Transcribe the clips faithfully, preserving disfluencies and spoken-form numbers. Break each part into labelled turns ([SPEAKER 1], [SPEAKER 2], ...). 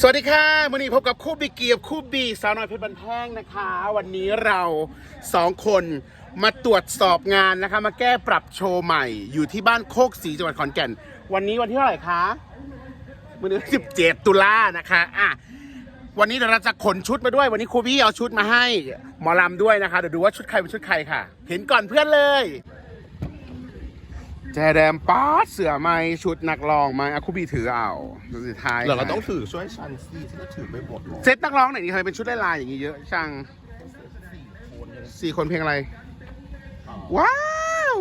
[SPEAKER 1] สวัสดีค่ะวันนี้พบกับคู่บีเกียบคู่บีสาวน้อยเพชรบันแพงนะคะวันนี้เราสองคนมาตรวจสอบงานนะคะมาแก้ปรับโชว์ใหม่อยู่ที่บ้านโคกศรีจังหวัดขอนแก่นวันนี้วันที่เท่าไหร่คะวันนี้สิบเจ็ดตุลานะคะอ่ะวันนี้เราจะขนชุดมาด้วยวันนี้ครูบี้เอาชุดมาให้หมอลำด้วยนะคะเดี๋ยวดูว่าชุดใครเป็นชุดใครค่ะเห็นก่อนเพื่อนเลยแจแดมป๊าดเสือไม้ชุดนักร้องไม้อะคูบีถือเอาดูสุดท้าย
[SPEAKER 2] เราก็ต้องถือช่วยชันซีฉันก็ถือไม่หมดหรอก
[SPEAKER 1] เซตนักร้องไหนนี่ทำไมเป็นชุดลายๆอย่างนี้เยอะช่างสี่คนเพลงอะไรว้าว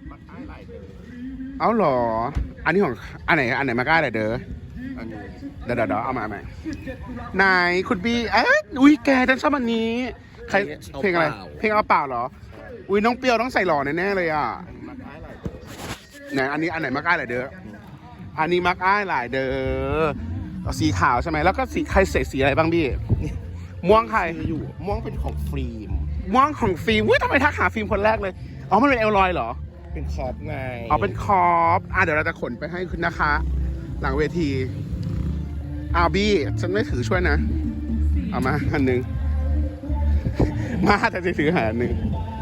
[SPEAKER 1] เอาเหรออันนี้ของอันไหนอันไหนมาก้าไหนเด้อ
[SPEAKER 2] อันนี้
[SPEAKER 1] เดี๋ยวเดี๋ยวเอามาใหม่นายคุณบีเอ๊ะอุ้ยแกฉันชอบอันนี้ใครเพลงอะไรเพลงเอาเปล่าเหรออุ้ยน้องเปียวต้องใส่หล่อแน่ๆเลยอ่ะไหนอันนี้อันไหนมาก้าไหนเด้ออันนี้มักอ้ายหลายเด้อสีขาวใช่ไหมแล้วก็สีใครใส่สีอะไรบ้างพี่ม่วงใคร
[SPEAKER 2] อยู่ม่วงเป็นของฟิล์ม
[SPEAKER 1] ม่วงของฟิล์มอุ้ยทำไมทักหาฟิล์มคนแรกเลยอ๋อมันเป็นเอลลอยเหรอ
[SPEAKER 2] เป็นขอบไง
[SPEAKER 1] อ๋อเป็นคอปอ่ะเดี๋ยวเราจะขนไปให้คุณนะคะ หลังเวทีอาบี้ฉันไม่ถือช่วยนะเอามาอันหนึ่งมาแต่จะถือหาอันหนึ่ง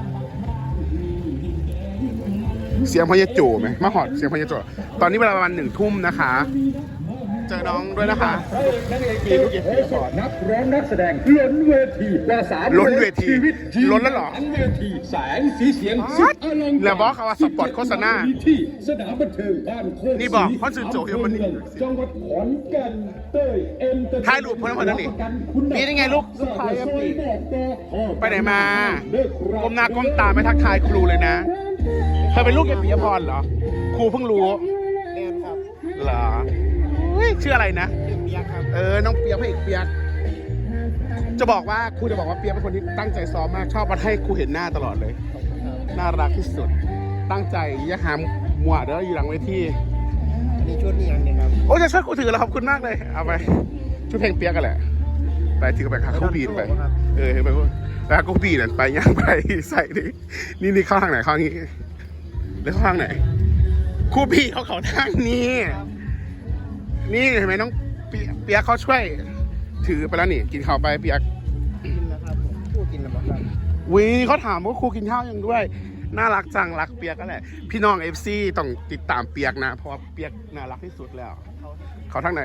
[SPEAKER 1] เสียงพญาโจไหมมาหอดเสียงพญาโจตอนนี้เวลาประมาณหนึ่งทุ่มนะคะเจอน้องด้วยนะคะมีลูกเย็บสอน
[SPEAKER 3] นักร้องนักแสดงล้นเวทีกว่าสาม
[SPEAKER 1] ล้นเวที
[SPEAKER 3] ชีวิต
[SPEAKER 1] ล้นแล้วเหรอ
[SPEAKER 3] ทั้งเวทีแสงสีเสียงสุดอลังการ
[SPEAKER 1] แล้วบอกเขาว่าสปอตโฆษณา
[SPEAKER 3] ที่สนามบันเทิงบ้านโคกศรี
[SPEAKER 1] นี่บอกเพราะสื่อโจทย์มันนี่
[SPEAKER 3] จังหวัดขอนแก่นเต้ยเอ็นเตอร์
[SPEAKER 1] ถ่ายรูปเพิ่มเพิ่มนั่นนี่นี่ได้ไงลูกลูกชายครับพี่ ไปไหนมาก้มหน้าก้มตาไม่ทักทายครูเลยนะเธอเป็นลูกเอปิยพรเหรอครูเพิ่งรู้
[SPEAKER 2] แอนครับ
[SPEAKER 1] เหรอเฮ้ยชื่ออะไรนะ
[SPEAKER 2] เปียกครับ
[SPEAKER 1] เออน้องเปียกพระเอกเปียกจะบอกว่าครูจะบอกว่าเปียกเป็นคนที่ตั้งใจซ้อมมากชอบมาให้ครูเห็นหน้าตลอดเลยน่ารักที่สุดตั้งใจอย่าหามมัวเด้ออยู่หลังเวที
[SPEAKER 2] อันนี้ชุดนี้ยังไงครับ
[SPEAKER 1] โอ้จะช่วยครูถือแล้วขอบคุณมากเลยเอาไปช่วยเพลงเปียกกันแหละไปถือไปค่ะครูบีนไปเออไปแล้วครูบีนไปย่างไปใส่ดินี่นี่เข้าทางไหนเข้างี้หรือเข้าทางไหนครูบีเขาเขาทางนี้นี่เห็นไหมน้องเปียกเขาช่วยถือไปแล้วนี่กินข้าวไปเปียก
[SPEAKER 2] กินแล้วครับผมพูดกินแล้วครับ
[SPEAKER 1] วีเขาถามว่าครูกินข้าวยังด้วยน่ารักจังรักเปียกก็แหละพี่น้องเอฟซีต้องติดตามเปียกนะเพราะว่าเปียกน่ารักที่สุดแล้วเขาทั้งไหน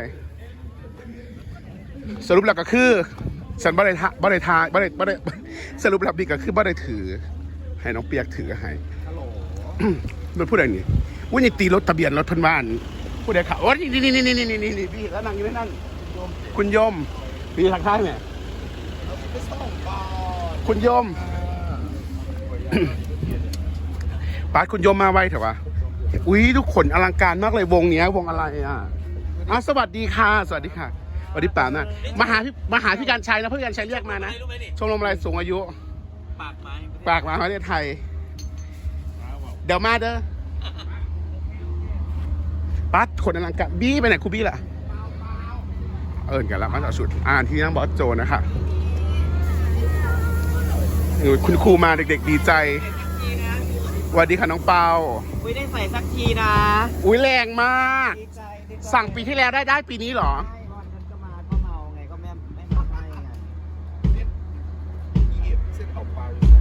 [SPEAKER 1] สรุปแล้วก็คือฉันบ่ได้ทาบ่ได้ทาบ่ได้บ่ได้สรุปแล้วบีก็คือบ่ได้ถือให้น้องเปียกถือให้
[SPEAKER 2] ฮัลโหล
[SPEAKER 1] รถผู้ใดนี่ว่านี่ตีรถทะเบียนรถเพันบ้านผู้ใดขับโอ้ยนี่นี่นี่นี่นี่นี่นี่พี่แล้วนั่งอยู่นั่นคุณโยมพี่ทักทายไหม
[SPEAKER 2] ไปส่งก่อน
[SPEAKER 1] คุณโยมป้าคุณโยมมาไวเถอะวะอุ้ยทุกคนอลังการมากเลยวงเนี้ยวงอะไรอ่ะอ่ะสวัสดีค่ะสวัสดีค่ะสวัสดีป่านะมาหาพี่มาหาพี่การชัยนะพี่การชัยเรียกมานะชมรมอะไรสูงอายุปากไม้ปากไม้ประเทศไทยเดี๋ยวมาเด้อป้าคนอลังการบี้ไปไหนครูบี้ล่ะเอิญกันแล้วมาจากสุดอ่านที่นั่งบอสโจนะคะคุณครูมาเด็กๆดีใจสวัสดีค่ะน้องเปา
[SPEAKER 4] อุ้ยได้ใส่สักทีนะ
[SPEAKER 1] อุ้ยแรงมาก
[SPEAKER 4] ดีใจดีใจ
[SPEAKER 1] สั่งปีที่แล้วได้ได้ปีนี้เหรอ
[SPEAKER 4] ใช่วันนั้นก็มาก็เมาไงก็แม่ไม่ทำให้ไง
[SPEAKER 2] เส้นเอาไป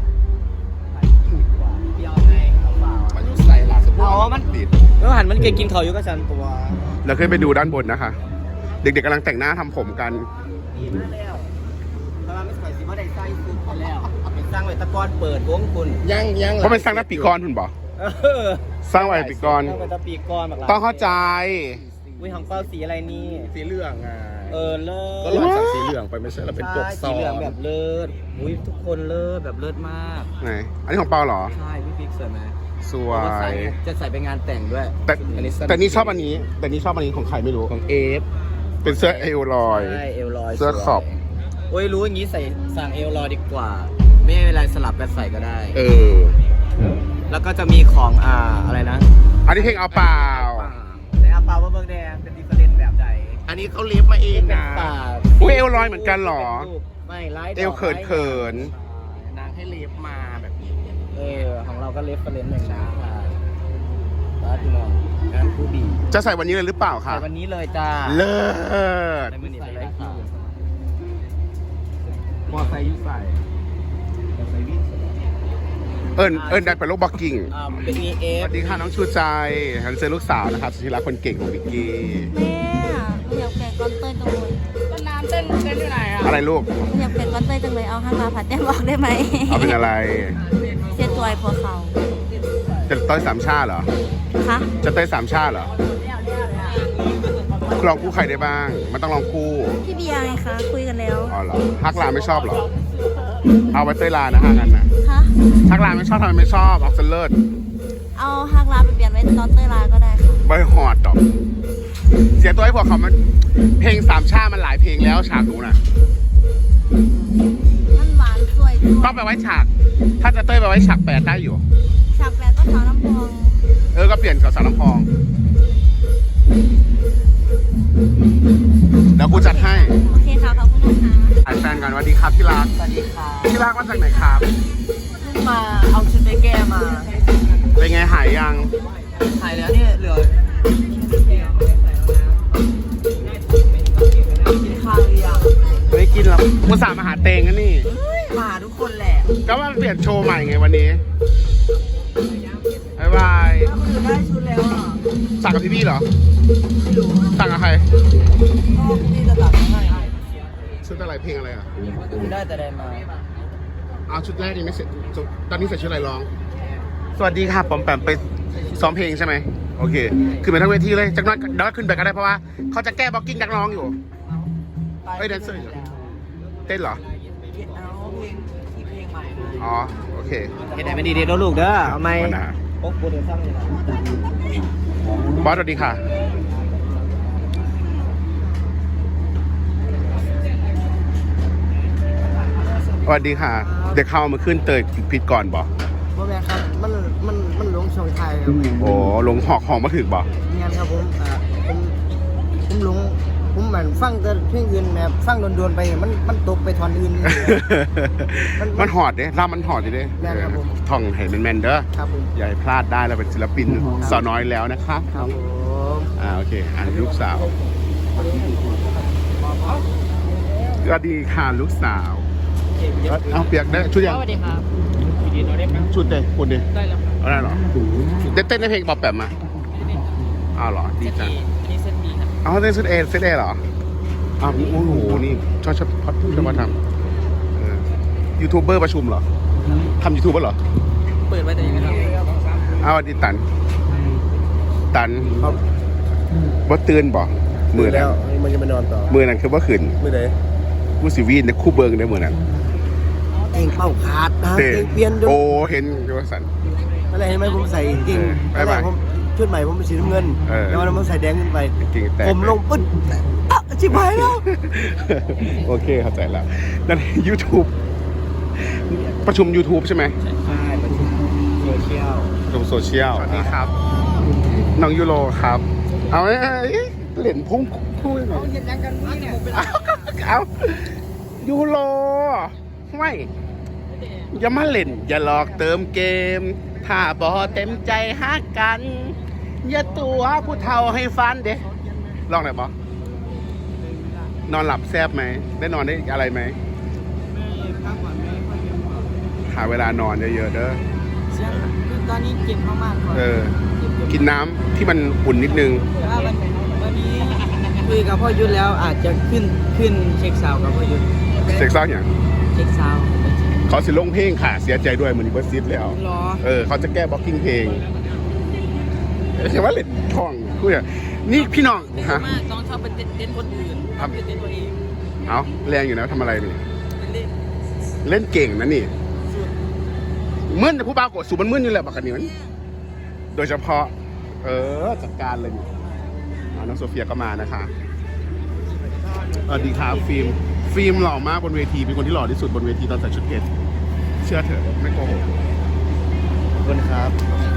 [SPEAKER 4] เดียวไงเอาเปล่า
[SPEAKER 2] มันยุ่ใส่ลาสบู่
[SPEAKER 4] อ๋อมัน
[SPEAKER 2] ติด
[SPEAKER 4] แล้วหันมันเก่งกินเขาอยู่ก็ฉันตัว
[SPEAKER 1] เราขึ้นไปดูด้านบนนะคะ เด็กๆกำลังแต่งหน้าทำผมกัน
[SPEAKER 4] ดีมากแล้วแต่ว่าไม่ใส่สีว่าได้ใส่ซุปกันแล้วเป็นสร้างไว้ตะกอนเปิดวงคุณ
[SPEAKER 2] ยังยัง
[SPEAKER 1] เพราะเป็นสร้างหน้าปีกรคุณบอก
[SPEAKER 4] เออ
[SPEAKER 1] สร้างไว้ปีกร
[SPEAKER 4] สร้างไว้ตะปีกอนแบบ
[SPEAKER 1] ต้องเข้าใจ
[SPEAKER 4] อุ้ยของเป้าสีอะไรนี่
[SPEAKER 2] สีเหลืองไง
[SPEAKER 4] เออเลิศ
[SPEAKER 2] ก็ลองจากสีเหลืองไปไม่ใช่แล้วเป็นปก
[SPEAKER 4] ใช่
[SPEAKER 2] ซอ
[SPEAKER 4] สีเหลือง
[SPEAKER 2] ง
[SPEAKER 4] แบบเลิศอุ้ยทุกคนเลิศแบบเลิศมาก
[SPEAKER 1] ไหนอันนี้ของเปาเหรอ
[SPEAKER 4] ใช่พี่พิกสวยไหม
[SPEAKER 1] สว
[SPEAKER 4] จะใส่
[SPEAKER 1] ย
[SPEAKER 4] จะใส่ไปงานแต่งด้วย
[SPEAKER 1] แต่แต่นี่ชอบอันนี้ แต่นี่ชอบอันนี้ของใครไม่รู้
[SPEAKER 2] ของเอฟ
[SPEAKER 1] เป็นเสื้อเอลลอย
[SPEAKER 4] ใช่เอลลอย
[SPEAKER 1] เสื้อขอบ
[SPEAKER 4] โอ้ยรู้อย่างนี้ใส่สั่งเอลลอยดีกว่า ไม่เป็นไรสลับกันใส่ก็ได้
[SPEAKER 1] เออ
[SPEAKER 4] แล้วก็จะมีของอ่าอะไรนะ
[SPEAKER 1] อันนี้เพลงเอาเปล่า
[SPEAKER 4] ในอาปาว่าเมืองแดงเป็นดิฟเฟอเรนต์แบบใด
[SPEAKER 1] อันนี้เขาเลียบมาเอง
[SPEAKER 4] เป็น
[SPEAKER 1] นะ
[SPEAKER 4] ป่า
[SPEAKER 1] อุ้ยเอลลอยเหมือนกันเหรอ
[SPEAKER 4] ไม่ไลท์
[SPEAKER 1] เอวเขินเขิน
[SPEAKER 2] นางให้เล็บมาแบบนี้
[SPEAKER 4] เออของเราก็เลฟเฟอเรนต์เหมือนกันค่ะบ้านพี่น้องงานผู้บี
[SPEAKER 1] จะใส่วันนี้เลยหรือเปล่าคะ
[SPEAKER 4] ใส่วันนี้เลยจ้า
[SPEAKER 1] เลิศ
[SPEAKER 4] ในมือนี้ไปเลยค่ะ
[SPEAKER 2] มอไซค์ยุใส่มอไซค์วิ่ง
[SPEAKER 1] เอิญเอิญได้ไปโลกบ็อกกิ้ง
[SPEAKER 4] อ่าเป็น e
[SPEAKER 1] ส
[SPEAKER 4] f
[SPEAKER 1] วัสดีค่ะน้องชูใจฮันเซอร์ลูกสาวนะครับสุธิรักคนเก่งของวิกกี้
[SPEAKER 5] แม่หนูอยากเปลี่ยนก้อนเต้ยจังเลย
[SPEAKER 2] ต้นน้ำเต้นเต้นอยู่ไหนอ่ะ
[SPEAKER 1] อะไรลูก
[SPEAKER 5] หนูอยากเปลี่ยนก้อนเต้ยจังเลยเอาห้างมาผัดแต้มบอกได้ไหม
[SPEAKER 1] เอาเป็นอะไร
[SPEAKER 5] เสียตัวไอ้พวกเขา
[SPEAKER 1] จะต้อยสามชาติเหรอ
[SPEAKER 5] คะ
[SPEAKER 1] จะเต้ยสามชาติเหรอลองคู่ใครได้บ้าง มันต้องลองคู่
[SPEAKER 5] พี่เบียร์ไงคะคุยกันแล้ว
[SPEAKER 1] อ๋อเหรอฮักลาไม่ชอบเหรอ เอาไว้เต้ยลานะฮะงั้นนะ
[SPEAKER 5] คะ
[SPEAKER 1] ฮักลาไม่ชอบทำไมไม่ชอบออกเซนเลิศ
[SPEAKER 5] เอาห้างลาไปเปลี่ยนไว้ตอนเต้ยลาก็ได้ค่ะ
[SPEAKER 1] ใบหอดดอก เสียตัวให้พวกเขามันเพลงสามชาติมันหลายเพลงแล้วฉากหนูน่ะ
[SPEAKER 5] มันหวานสวยด้วย
[SPEAKER 1] ต้องไปไว้ฉาก ถ้าจะเต้ยไปไว้ฉากแปดได้อยู่
[SPEAKER 5] ฉากแปดก็สาวน้ำพอง
[SPEAKER 1] เออ ก็เปลี่ยนกับสาวน้ำพอง เดี๋ยวกูจัดให้
[SPEAKER 5] โอเคค่ะขอบคุณนะคะ
[SPEAKER 1] ถ่ายแฟนกันสวัสดีครับที่รัก
[SPEAKER 4] สวัสดีค่ะ
[SPEAKER 1] ที่รักมาจากไหนครับ
[SPEAKER 4] เพิ่งมาเอาชุดไปแก้มา
[SPEAKER 1] เป็นไงหายยัง
[SPEAKER 4] ถ่ายแล้วเนี่ยเหลือกินข้าวหรือยัง
[SPEAKER 1] ไม่กินหรอกกูสาห์มาหาเตงกันนี่
[SPEAKER 4] มาทุกคนแหละ
[SPEAKER 1] ก็ว่าเปลี่ยนโชว์ใหม่ไงวันนี้บ๊ายบาย
[SPEAKER 4] ถ้าคนอื่นได้ชุดแล้วอ่ะ
[SPEAKER 1] สั่งกับพี่พี่เหรอ
[SPEAKER 4] ไม่รู้
[SPEAKER 1] สั่งกับใคร
[SPEAKER 4] ก็พี่จะตัดมาให้
[SPEAKER 1] ชุดอะไรเพลงอะไรอ่ะ
[SPEAKER 4] คุณได้แต่แดนมา
[SPEAKER 1] เอาชุดแรกนี่ไม่เสร็จชุดตอนนี้ใส่ชุดอะไรร้อง สวัสดีค่ะปอมแปมไปซ้อมเพลงใช่ไหมโอเคขึ้นไปทั้งเวทีเลยจากนั้นเดี๋ยวขึ้นไปก็ได้เพราะว่าเขาจะแก้บล็อกกิ้งนักร้องอยู่ เฮ้ยแดนเซอร์อยู่ เต้นเหรอ
[SPEAKER 4] เอาเพลงที่เพลงใหม่มา
[SPEAKER 1] อ๋อโอเค
[SPEAKER 4] เห็นไหนไม่ดีเด็ดลูกเด้อเอาไหม
[SPEAKER 1] วันหน้า
[SPEAKER 4] โอ๊กกูเดี๋ยวซ้ำเลยนะ
[SPEAKER 1] บอสสวัสดีค่ะสวัสดีค่ะ เด็กเข้ามาขึ้นเตยผิดก่อนบอก
[SPEAKER 4] พ่อแม่ครับมันมันมันหลงช่องไทยครับ
[SPEAKER 1] โอ้ลงหอกหองมาถึงบอก
[SPEAKER 4] งานครับผมอ่าผมผมหลงผมเหมือนฟังแต่เพลงอื่นแบบฟังโดนๆไปมันมันตกไปทอนอื่น มัน
[SPEAKER 1] มันหอดเด้ร่ามันหอดอยู่เด้
[SPEAKER 4] แม่นครับผม
[SPEAKER 1] ท่องเห็นเป็นแมนเด้อ
[SPEAKER 4] ครับผม
[SPEAKER 1] อย่าให้พลาดได้เราเป็นศิลปินสาวน้อยแล้วนะคะ
[SPEAKER 4] ครับผม
[SPEAKER 1] อ่าโอเคอ่านลูกสาวสวัสดีค่ะลูกสาวเอาเปียกได้ชุดยัง
[SPEAKER 2] สวัสดีครับวิดีโอได้ไหม
[SPEAKER 1] ชุดเด้คุณดิ
[SPEAKER 2] ได้แล้วครับ
[SPEAKER 1] เอาได้เหรอได้เต้นในเพลงปอบแปมมาอ้าวเหรอดีจัง
[SPEAKER 2] นี่เส้นดีครับ
[SPEAKER 1] เอาเต้นชุดเอเซตเอเหรออ้าวโอ้โหนี่ชอบชอบชอบชอบมาทำเออยูทูบเบอร์ประชุมเหรอทำยูทูบเบอร์เหรอ
[SPEAKER 2] เปิดไว้แต่ยังไงครับ
[SPEAKER 1] อ้าวสวัสดีตัน ตันบ่ตื่นบ่มือนั้น
[SPEAKER 2] มันจะไปนอนต่อ
[SPEAKER 1] มือนั้นคือบ่ขึ้น
[SPEAKER 2] มือไหน
[SPEAKER 1] กูสิวีนในคู่เบิงในมือนั้น
[SPEAKER 4] เก่งเป้าขาดนะ
[SPEAKER 1] เต้
[SPEAKER 4] เก่งเปลี่ยนด้ว
[SPEAKER 1] โอ้
[SPEAKER 4] ย
[SPEAKER 1] เห็นอยู่ว่าสัน
[SPEAKER 4] อะไรเห็นไหมผมใส่เก่ง
[SPEAKER 1] เออบ๊ายบาย
[SPEAKER 4] ผมชุดใหม่ผมเป็นสีน้ำเงิน
[SPEAKER 1] เออ
[SPEAKER 4] แล้ววันนั้นผมใส่แดงขึ้นไป
[SPEAKER 1] จริงๆแต่
[SPEAKER 4] ผมลงปึ๊ดอ่ะชิบหายแล้ว
[SPEAKER 1] โอเคเข้าใจแล้วนั่น YouTube ประชุม YouTube ใช่ไหม
[SPEAKER 4] ใช่ประชุมโซเชียล
[SPEAKER 1] ประชุมโซเชียลสวัสดีครับ น้องยูโรครับ เอาไอ้เหรียญพุ่งคู่หน่อย
[SPEAKER 4] เห็นยังกันนี่เนี่ย
[SPEAKER 1] เอาเอายูโรไม่อย่ามาเล่น อย่าหลอกเติมเกม ถ้าบอเต็มใจฮักกัน อย่าตัวผู้เฒ่าให้ฟันเด้ลองหน่อยบอนอนหลับแซบไหม ได้นอนได้อะไรไหม หาเวลานอนเยอะๆเด้อ
[SPEAKER 4] เสียงตอนนี้เก่งมากๆก่อน
[SPEAKER 1] เออ กินน้ำที่มันอุ่นนิดนึง
[SPEAKER 4] ว่าวันวันนี้คุยกับพ่อยุทธแล้วอาจจะขึ้นขึ้นเช็คซาวด์กับพ่อยุทธ
[SPEAKER 1] เซ็กซ์ซ่าอย่าง
[SPEAKER 4] เช็คซาวด์
[SPEAKER 1] เขาสิลงเพลงค่ะ เสียใจด้วยมันเบอร์ซิดแล้ว
[SPEAKER 4] รอ
[SPEAKER 1] เออ เขาจะแก้บล็อกกิ้งเพลงใช่ว่าเล่นทองพูดอย่างนี่พี่น้องฮะ
[SPEAKER 4] มากต้องชอบเป็นเต้นคนอื่นทำเป็นเต้นตัวเอง
[SPEAKER 1] เอาแรงอยู่นะทำอะไรนี่
[SPEAKER 4] เป็นเล่น
[SPEAKER 1] เล่นเก่งนะนี่มึนแต่ผู้บ่าวกดสูบมันมึนอยู่แหละบักกันนี่มันโดยเฉพาะ เออจัดการเลยนี่เอาน้องโซเฟียก็มานะคะสวัสดีครับฟิล์มฟิล์มหล่อมากบนเวทีเป็นคนที่หล่อที่สุดบนเวทีตอนใส่ชุดเกตเชื่อเถอะไม่โกหก
[SPEAKER 2] ขอบคุณครับ